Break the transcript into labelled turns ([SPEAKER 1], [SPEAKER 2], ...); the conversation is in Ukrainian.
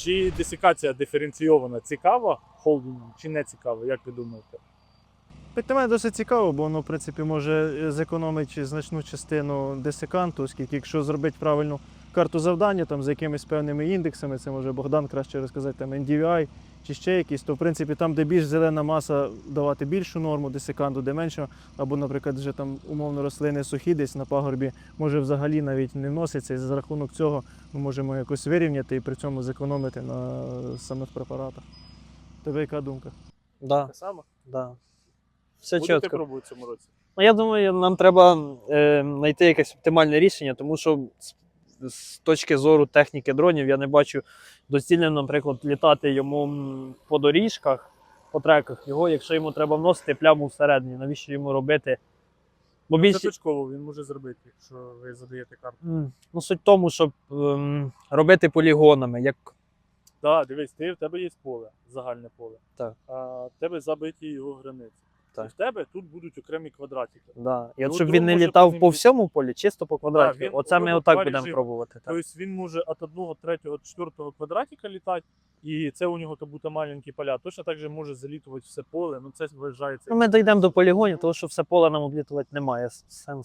[SPEAKER 1] Чи десикація диференційована цікава холдингом, чи не цікава, як ви думаєте?
[SPEAKER 2] Для мене досить цікаво, бо воно, в принципі, може зекономити значну частину десиканту, оскільки якщо зробити правильну карту завдання там, з якимись певними індексами, це може Богдан краще розказати, там NDVI чи ще якісь, то в принципі там, де більш зелена маса, давати більшу норму десиканту, де менше, або, наприклад, вже там умовно рослини сухі десь на пагорбі, може взагалі навіть не вноситься, і за рахунок цього ми можемо якось вирівняти і при цьому зекономити на самих препаратах. Тебе яка думка?
[SPEAKER 3] Да,
[SPEAKER 1] Те саме?
[SPEAKER 3] да. Все
[SPEAKER 1] Будете
[SPEAKER 3] чітко.
[SPEAKER 1] пробувати в цьому році?
[SPEAKER 3] Ну, я думаю, нам треба знайти якесь оптимальне рішення, тому що з точки зору техніки дронів я не бачу доцільним, наприклад, літати йому по доріжках, по треках його, якщо йому треба вносити пляму всередині, навіщо йому робити? Бо
[SPEAKER 1] Це
[SPEAKER 3] більше...
[SPEAKER 1] точково він може зробити, якщо ви задаєте карту.
[SPEAKER 3] Ну, суть в тому, щоб робити полігонами, як
[SPEAKER 1] Так, дивись, в тебе є поле, загальне поле.
[SPEAKER 3] Так.
[SPEAKER 1] А в тебе забиті його границі.
[SPEAKER 3] Так.
[SPEAKER 1] І в тебе тут будуть окремі квадратики.
[SPEAKER 3] да. І от
[SPEAKER 1] Ну,
[SPEAKER 3] щоб
[SPEAKER 1] дрон
[SPEAKER 3] він не
[SPEAKER 1] може
[SPEAKER 3] літав
[SPEAKER 1] по ним
[SPEAKER 3] по
[SPEAKER 1] літ-
[SPEAKER 3] всьому полі, чисто по квадратику.
[SPEAKER 1] він
[SPEAKER 3] Оце ми
[SPEAKER 1] робить
[SPEAKER 3] отак
[SPEAKER 1] два
[SPEAKER 3] будемо
[SPEAKER 1] режими.
[SPEAKER 3] пробувати. Так.
[SPEAKER 1] Тобто він може від одного, третього, четвертого квадратика літати, і це у нього як будто маленькі поля. Точно так же може залітувати все поле, ну це вважається.
[SPEAKER 3] Ну, ми дійдемо до полігонів, тому що все поле нам облітувати немає сенсу.